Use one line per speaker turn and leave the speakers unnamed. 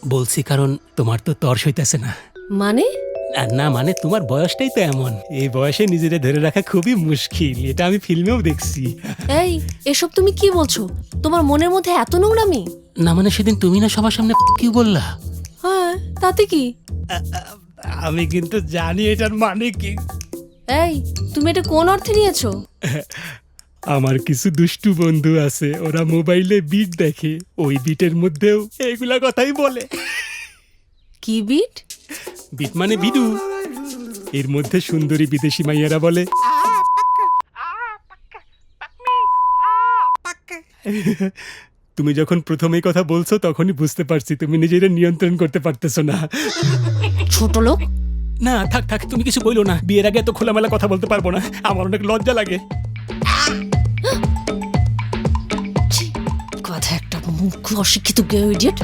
বলছি কারণ তোমার তো তর সইতেছে না।
মানে?
না মানে তোমার বয়সটাই তো এমন, এই বয়সে নিজেরা ধরে রাখা খুবই মুশকিল, এটা আমি ফিল্মেও দেখছি।
এই এসব তুমি কি বলছো? তোমার মনের মধ্যে এত নোংরামি?
না মানে সেদিন তুমি না সবার সামনে কি বললা?
হ্যাঁ, তাতে কি?
আমি কিন্তু জানি এটার মানে কি।
এই তুমি এটা কোন অর্থে নিয়েছো?
আমার কিছু দুষ্টু বন্ধু আছে, ওরা মোবাইলে বিট দেখে, ওই বিটের মধ্যেও এগুলা কথাই বলে।
কি বিট?
বিট মানে বিডু, এর মধ্যে সুন্দরী বিদেশি মাইয়ারা বলে তুমি যখন প্রথম এই কথা বলছো তখনই বুঝতে পারছি তুমি নিজেরা নিয়ন্ত্রণ করতে পারতেছো না।
ছোট লোক।
না থাক থাক, তুমি কিছু বইলো না, বিয়ের আগে এত খোলামেলা কথা বলতে পারবো না, আমার অনেক লজ্জা লাগে।
কথা একটা মুখ অশিক্ষিত গেও ইডিয়েট।